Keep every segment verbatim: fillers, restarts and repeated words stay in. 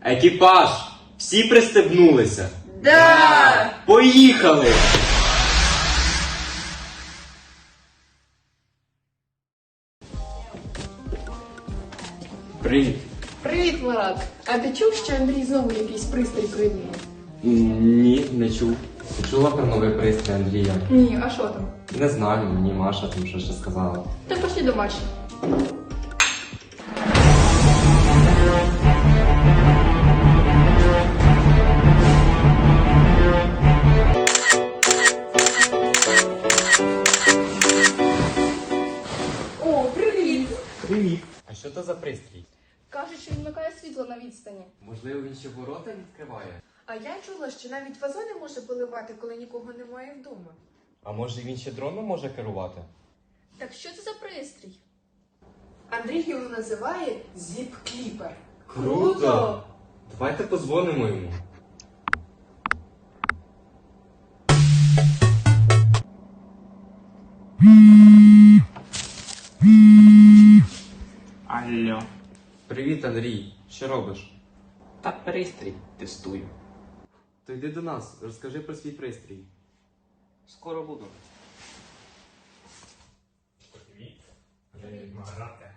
Екіпаж! Всі пристебнулися? Да! Поїхали! Привіт. Привіт, Марат! А ти чув, що Андрій знову якийсь пристрій придумав? Ні, не чув. Ти чула про новий пристрій Андрія? Ні, а що там? Не знаю, мені Маша там що ще сказала. Та пошли до Маші. О, привіт! Привіт. А що то за пристрій? Кажуть, що він вмикає світло на відстані. Можливо, він ще ворота відкриває? А я чула, що навіть вазони може поливати, коли нікого немає вдома. А може він ще дроном може керувати? Так що це за пристрій? Андрій його називає зіп-кліпер. Давайте позвонимо йому. Алло. Привіт, Андрій. Що робиш? Та пристрій тестую. То йди до нас, розкажи про свій пристрій. Скоро буду. Привіт. Привіт, Марате.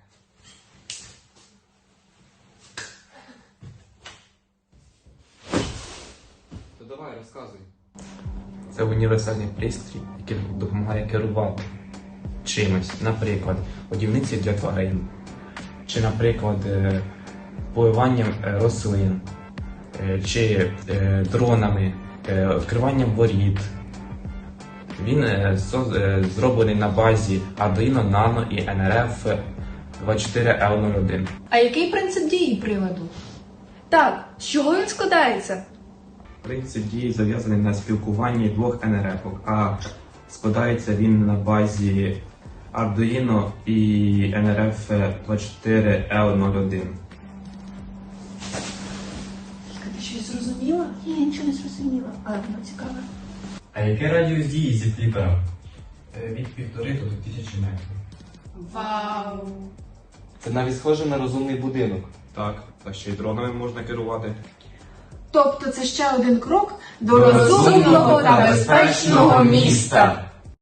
То давай, розказуй. Це універсальний пристрій, який допомагає керувати чимось. Наприклад, годівниці для тварин. Чи, наприклад, е, поливанням е, рослин. Е, Чи е, дронами, е, відкриванням воріт. Він е, со- е, зроблений на базі Arduino Nano і ен ар еф двадцять чотири ел нуль один. А який принцип дії приладу? Так, з чого він складається? Принцип дії зав'язаний на спілкуванні двох ен ар еф, а складається він на базі Arduino і ен ар еф двадцять чотири ел нуль один. Ти щось зрозуміла? Ні, я нічого не зрозуміла, але воно цікаве. А який радіус дії зі фліпера? Від півтори до двох тисяч метрів. Вау! Це навіть схоже на розумний будинок. Так, та ще й дронами можна керувати. Тобто це ще один крок до розумного та безпечного міста.